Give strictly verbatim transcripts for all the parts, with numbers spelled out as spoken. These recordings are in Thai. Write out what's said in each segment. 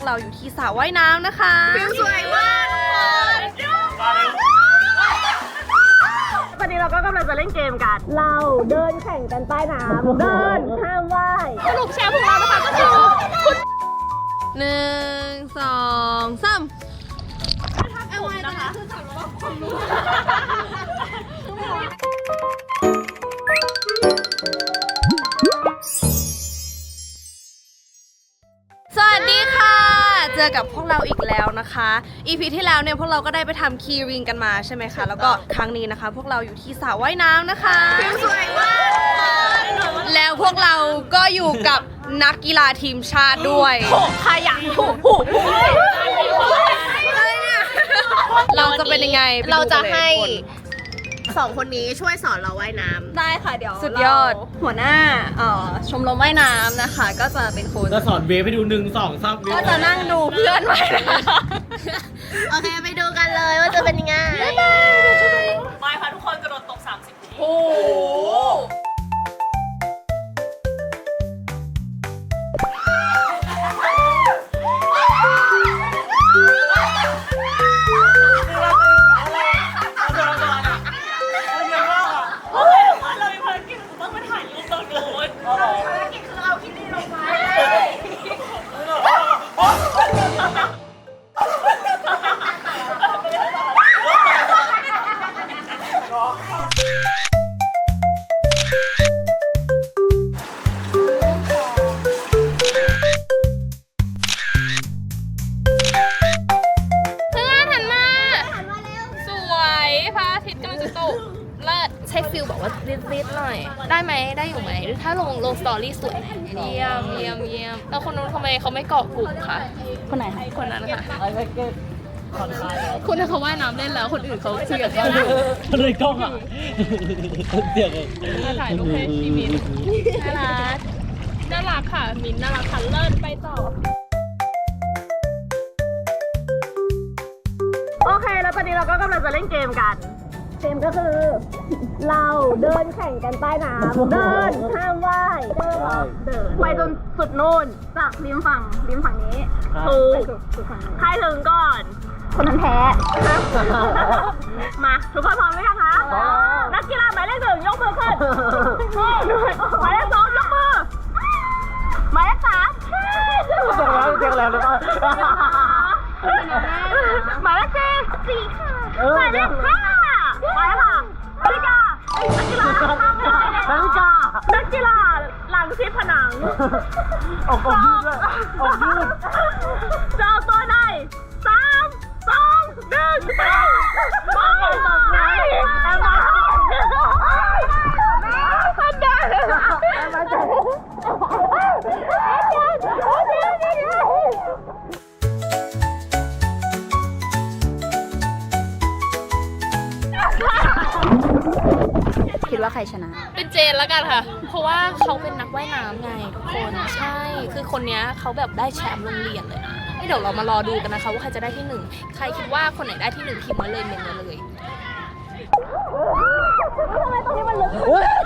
เราอยู่ที่สระว่ายน้ำนะคะวิวสวยมากทุกคนตอนนี้เราก็กำลังจะเล่นเกมกันเราเดินแข่งกันใต้น้ำเดินห้ามว่ายสรุปแชร์ของเรานะคะก็คือคุณหนึ่งสองสามเอาไว้นะคะคือสำหรับความรู้สวัสดีค่ะเจอกับพวกเราอีกแล้วนะคะ อี พี ที่แล้วเนี่ยพวกเราก็ได้ไปทำคีริงกันมาใช่ไหมคะแล้วก็ครั้งนี้นะคะพวกเราอยู่ที่สระว่ายน้ำนะคะวิวสวยมากแล้วพวกเราก็อยู่กับนักกีฬาทีมชาติด้วยขยันถูกผูกเราจะเป็นยังไงเราจะให้สองคนนี้ช่วยสอนเราว่ายน้ำได้ค่ะเดี๋ยวสุดยอดหัวหน้าเอ่อชมรมว่ายน้ำนะคะก็จะเป็นคนจะสอนเวฟให้ดูหนึ่งสองสามก็จะนั่งดูเพื่อนว่ายน้โอเคไปดูกันเลยว่าจะเป็นยังไงไปค่ะทุกคนกระโดดตกสามสิบทีโอ้ใช้ฟิลบอกว่ารีดๆหน่อยได้ไหมได้อยู่ไหมถ้าลงลงสตอรี่สวยเยี่ยมเยี่ยมเยี่ยมแล้วคนนู้นทำไมเขาไม่เกาะกลุ่มคะคนไหนคะคนนั้นค่ะคุณถ้าเขาว่ายน้ำเล่นแล้วคนอื่นเขาเสียกันเลยกล้องอ่ะเสียงมาถ่ายรูปให้พี่มิ้นน่ารักน่ารักค่ะมิ้นน่ารักค่ะเลิศไปต่อโอเคแล้วตอนนี้เราก็กำลังจะเล่นเกมกันเกมก็คือเราเดินแข่งกันใต้น้ำเดินห้ามว่ายเดินเดินไปจนสุดนู่นจากริมฝั่งริมฝั่งนี้ถูกใครถึงก่อนคนนั้นแพ้มาทุกคนพร้อมไหมคะนักกีฬาหมายเลขหนึ่งยกมือขึ้นหมายเลขสองยกมือหมายเลขสามเจ๊งแล้วเจ๊งแล้วหรือเปล่าหมายเลขสี่สี่ค่ะหมายเลขห้าไปค่ะนาฬิกานักกีฬานาฬิกานักกีฬาหลังชิดผนังออกออกยืดเลยออกยืดจะออกตัวไหนสามสองหนึ่งไปไปตกไหนแอมมาพันเดินแอมมาเจอคิดว่าใครชนะเป็นเจนแล้วกันค่ะเพราะว่าเขาเป็นนักว่ายน้ำไงทุกคนใช่คือคนนี้เขาแบบได้แชมป์โรงเรียนเลยนะเดี๋ยวเรามารอดูกันนะคะว่าใครจะได้ที่หนึ่งใครคิดว่าคนไหนได้ที่หนึ่งพิมพ์มาเลยเมนมาเลยทำไมตรงนี้มันลึก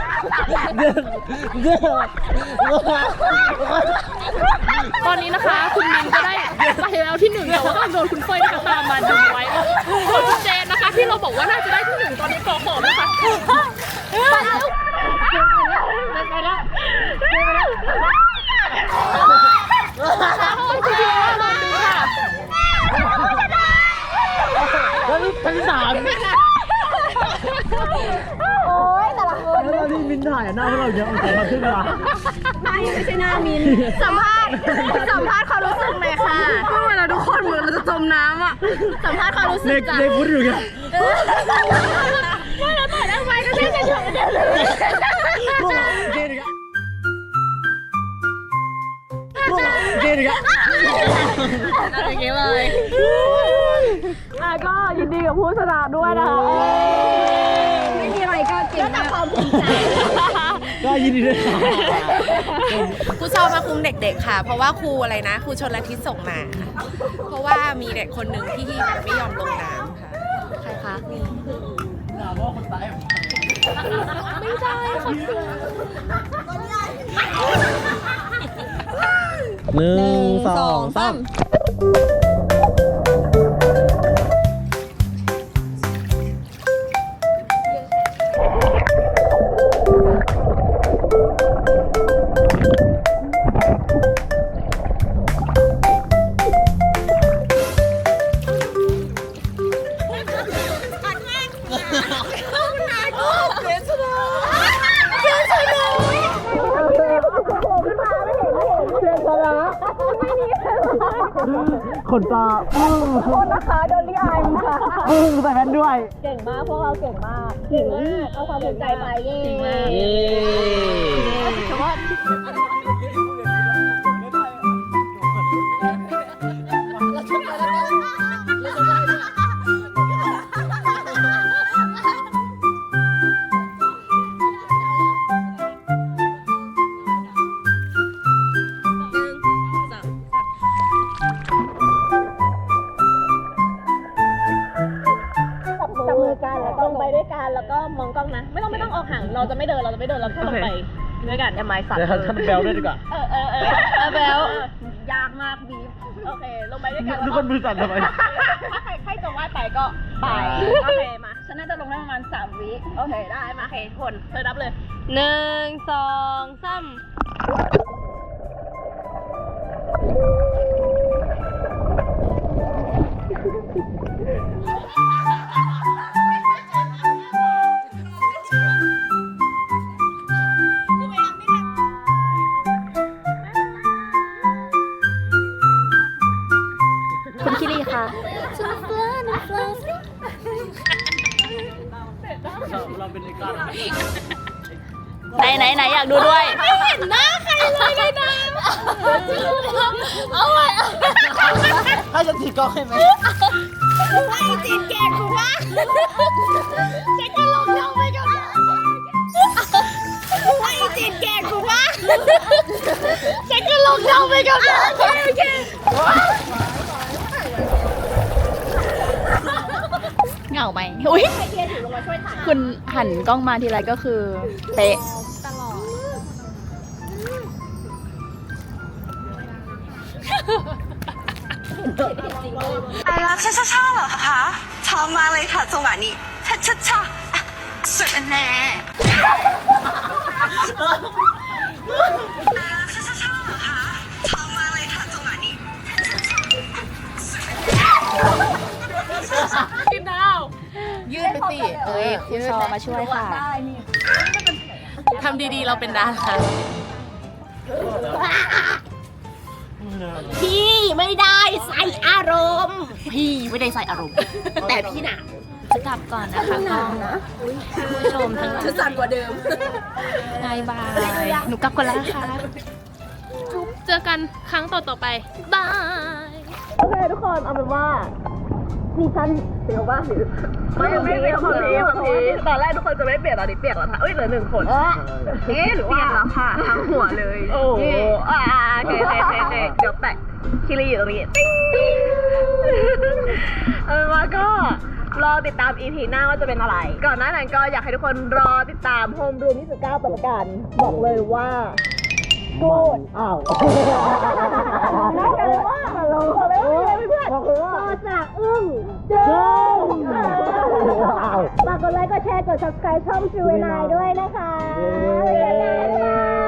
ตอนนี้นะคะคุณมินก็ได้ไปแล้วที่หนึ่งแต่ว่าก็โดนคุณเฟยนะคะตามมาดึงไว้ส่วนคุณเจนนะคะที่เราบอกว่าน่าจะได้ที่หนึ่งตอนนี้กอขอบนะคะไปแล้วไปแล้วไปแล้วคุณพี่ว่าลองดูค่ะแล้วนี่ชั้นสามโอ้ยแต่ละคนแล้วที่มินถ่ายหน้าพวกเราเยอะเอาใส่มาขึ้นมาไม่ไม่ใช่หน้ามินสัมภาษณ์สัมภาษณ์ความรู้สึกหน่อยค่ะก็เวลาทุกคนเหมือนเราจะจมน้ำอ่ะสัมภาษณ์ความรู้สึกจ้ะเล็กพูดอยู่ไงว่าเราต่อยได้ไหมก็แค่จะเฉยเดียวเลยเจ๊ดิครับเจ๊ดิครับอะไรเงี้ยเลยอ่ะก็ยินดีกับผู้ชนะด้วยนะคะไม่มีอะไรก็เก่งแต่ความภูมิใจก็ยินดีด้วยค่ะครูชอบมาคุมเด็กๆค่ะเพราะว่าครูอะไรนะครูชนละทิศส่งมาเพราะว่ามีเด็กคนหนึ่งที่ไม่ยอมลงน้ำค่ะใครคะมีไม่ได้ค่ะหนึ่งสองสาม ขนตาอึ้งโทษนะคะโดนลิอายค่ะอึ้งใส่แว่นด้วยเก่งมาก พวกเราเก่งมาก เก่งมาก เอาความภูมิใจไปเย้เก่งมากเย้แต่ว่า จับมือกันแล้วก็ลงไปด้วยกันแล้วก็มองกล้องนะ ไม่ต้องไม่ต้องออกห่างเราจะไม่เดินเราจะไม่เดินเราแค่ลงไปด้วยกันอย่าไม้สั่นเดี๋ยวท่านแบลด้วยดีกว่าเออเออเออเออแบลยากมากบีฟโอเคลงไปด้วยกันทุกคนมือสั่นทำไมถ้าใครใครจะว่ายไปก็ไปโอเคมาฉันน่าจะลงได้ประมาณสามวิโอเคได้มาโอเคคนเธอรับเลยหนึ่งสองสาม คุณคิริค่ะเราเป็นไอ้ก้อนไหนไหนไหนอยากดูด้วย ไม่เห็นหน้าใครเลยในน้ำเอาไว้ให้ฉันถือกล้องให้ไหมไม่จีนแกงกูว่าเช็คกันลงน้องไปก่อนไม่จีนแกงกูว่าเช็คกันลงน้องไปก่อนโอเคโอเคเหงาไหมอุ้ยคุณหันกล้องมาทีไรก็คือเป๊ะ哎呀，ช่าช่าช่าเหรอคะชอบมากเลยค่ะจังหวะนี้ช่าช่าช่าสุดแน่ช่าช่าช่าเหรอคะชอบมากเลยค่ะจังหวะนี้ยืดไปสิ เอ้ยครูชอมาช่วยค่ะ ทำดีๆ เราเป็นดาราพี่ไม่ได้ใส่อารมณ์ พี่ไม่ได้ใส่อารมณ์ แต่พี่หนาจะกลับก่อนนะคะกล้องผู้ชมทั้งหลายจะสั่นกว่าเดิมบายบาย หนูกลับก่อนแล้วนะคะเจอกันครั้งต่อๆไป บายโอเคทุกคนเอาเป็นว่าซีซั่นเสียวว่าหรือไม่ไม่เปลี่ยนความพีความพีตอนแรกทุกคนจะไม่เปลี่ยนตอนนี้เปลี่ยนแล้วค่ะเอ้ยเหลือหนึ่งคนเอ๊ะหรือว่าเปลี่ยนแล้วค่ะทั้งหัวเลยโอ้โหอ่าโอเคโอเคโอเคเดี๋ยวแปะคิริอยู่ตรงนี้ติ๊งติ๊งเอาเป็นว่าก็รอติดตาม อี พี หน้าว่าจะเป็นอะไร ก่อนหน้านั้นก็อยากให้ทุกคนรอติดตามโฮมรูมยี่สิบเก้าต่อละกันบอกเลยว่าโกรธอ้าวน่าจะว่าเราเขาเลยเพื่อนต่อจากอึ้งเจ้าฝากกดไลค์กดแชร์กด ซับสไครบ์ ช่องจูเวนายด้วยนะคะบ๊ายบาย